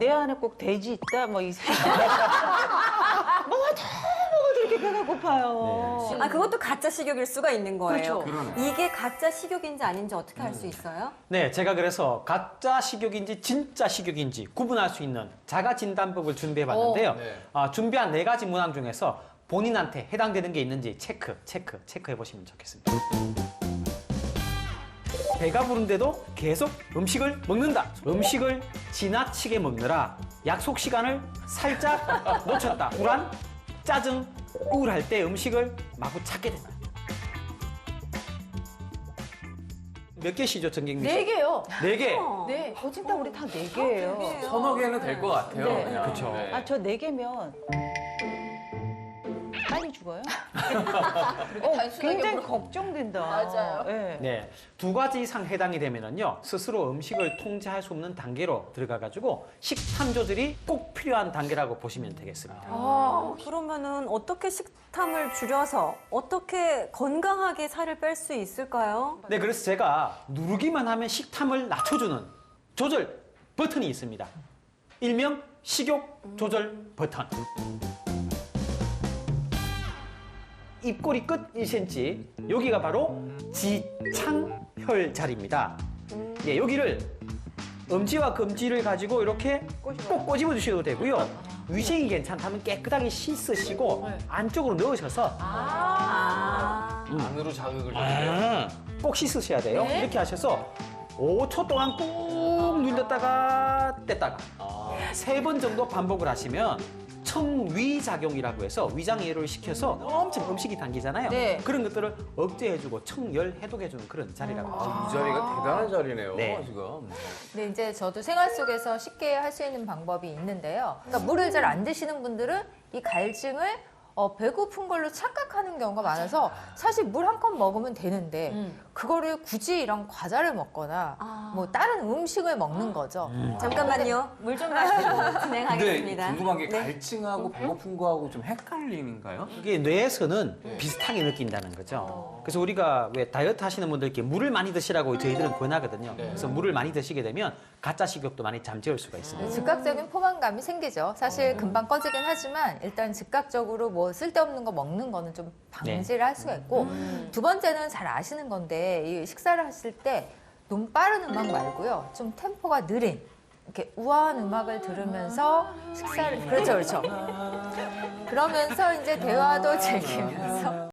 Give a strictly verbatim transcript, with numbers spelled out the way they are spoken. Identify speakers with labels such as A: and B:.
A: 내 안에 꼭 돼지 있다 뭐 이 생각. 뭐가 다 먹어도 이렇게 배가 고파요.
B: 아, 그것도 가짜 식욕일 수가 있는 거예요.
A: 그렇죠.
B: 이게 가짜 식욕인지 아닌지 어떻게 알 수 있어요?
C: 네, 제가 그래서 가짜 식욕인지 진짜 식욕인지 구분할 수 있는 자가 진단법을 준비해봤는데요.
D: 오, 네.
C: 아, 준비한 네 가지 문항 중에서 본인한테 해당되는 게 있는지 체크, 체크, 체크해 보시면 좋겠습니다. 배가 부른데도 계속 음식을 먹는다. 음식을 지나치게 먹느라 약속 시간을 살짝 놓쳤다. 불안, 짜증, 우울할 때 음식을 마구 찾게 된다. 몇 개시죠, 정경미 씨?
A: 네 개요.
C: 네 개.
A: 네, 거짓말 우리 다 네 개예요.
D: 서너 개는 될 것 같아요.
A: 네.
D: 그냥.
C: 그쵸.
D: 네.
A: 아, 저 네 개면 빨리 죽어요. 어, 굉장히 걱정된다.
E: 맞아요.
A: 네.
C: 네, 두 가지 이상 해당이 되면은요 스스로 음식을 통제할 수 없는 단계로 들어가가지고 식탐 조절이 꼭 필요한 단계라고 보시면 되겠습니다.
B: 아, 그러면은 어떻게 식탐을 줄여서 어떻게 건강하게 살을 뺄 수 있을까요?
C: 네, 그래서 제가 누르기만 하면 식탐을 낮춰주는 조절 버튼이 있습니다. 일명 식욕 조절 버튼. 입꼬리 끝 일 센티미터, 여기가 바로 지창혈 자리입니다. 예, 여기를 엄지와 검지를 가지고 이렇게 꼭 꼬집어 주셔도 되고요. 위생이 괜찮다면 깨끗하게 씻으시고 안쪽으로 넣으셔서
B: 아,
D: 안으로 자극을 줘요.
C: 아, 꼭 씻으셔야 돼요. 이렇게 하셔서 오 초 동안 꾹 눌렀다가 뗐다가 세 번 정도 반복을 하시면 청위작용이라고 해서 위장애를 시켜서 엄청 음식이 당기잖아요.
A: 네.
C: 그런 것들을 억제해주고 청열 해독해주는 그런 자리라고 하죠.
D: 이 자리가 대단한 자리네요,
C: 네.
D: 지금.
E: 근데 이제 저도 생활 속에서 쉽게 할 수 있는 방법이 있는데요. 그러니까 물을 잘 안 드시는 분들은 이 갈증을 어, 배고픈 걸로 착각하는 경우가 많아서 사실 물 한 컵 먹으면 되는데
B: 음.
E: 그거를 굳이 이런 과자를 먹거나
B: 아.
E: 뭐 다른 음식을 먹는 거죠.
B: 잠깐만요. 물 좀 마시고
D: 근데
B: 진행하겠습니다.
D: 궁금한 게
B: 네.
D: 갈증하고 배고픈 거하고 좀 헷갈리는가요?
C: 이게 뇌에서는 비슷하게 느낀다는 거죠. 그래서 우리가 왜 다이어트 하시는 분들께 물을 많이 드시라고 저희들은 권하거든요. 그래서 물을 많이 드시게 되면 가짜 식욕도 많이 잠재울 수가 있습니다.
E: 즉각적인 포만감이 생기죠. 사실 금방 꺼지긴 하지만 일단 즉각적으로 뭐 쓸데없는 거 먹는 거는 좀 방지를 할 수가 있고 두 번째는 잘 아시는 건데 이 식사를 하실 때 너무 빠른 음악 말고요. 좀 템포가 느린 이렇게 우아한 음악을 들으면서 식사를 그렇죠, 그렇죠. 그러면서 이제 대화도 즐기면서